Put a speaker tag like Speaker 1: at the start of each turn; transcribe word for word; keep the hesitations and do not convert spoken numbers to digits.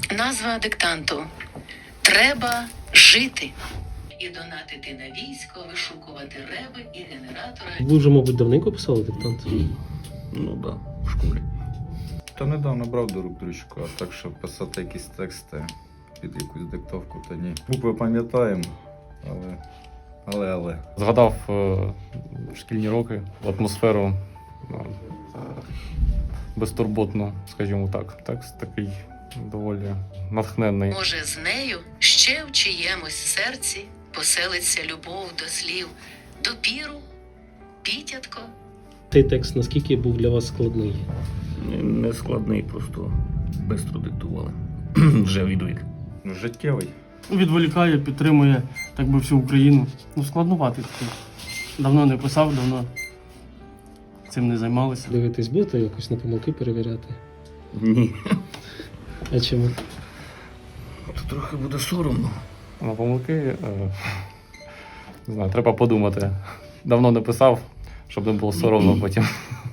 Speaker 1: Назва диктанту «Треба жити». І донатити на військо, вишукувати реби і генератори.
Speaker 2: Ви вже, мабуть, давненько писали диктант?
Speaker 3: Ну так, да, в школі.
Speaker 4: Та недавно брав до рук ручку, а так, щоб писати якісь тексти під якусь диктовку, то ні. Букви пам'ятаємо, але... але, але.
Speaker 5: Згадав е, шкільні роки, атмосферу е, безтурботну, скажімо так. Текст такий доволі натхненний.
Speaker 1: Може, з нею ще в чиємусь серці поселиться любов до слів допіру, пітятко.
Speaker 2: Цей текст наскільки був для вас складний?
Speaker 3: Не складний, просто бистро диктували. Вже відвик.
Speaker 4: Ну, життєвий.
Speaker 6: Відволікає, підтримує так би всю Україну. Ну, складнуватий такий. Давно не писав, давно цим не займалися.
Speaker 2: Дивитись, будете якось на помилки перевіряти?
Speaker 3: Ні.
Speaker 2: А чому?
Speaker 3: То трохи буде соромно.
Speaker 5: На помилки, е, не знаю, треба подумати. Давно не писав, щоб не було соромно потім.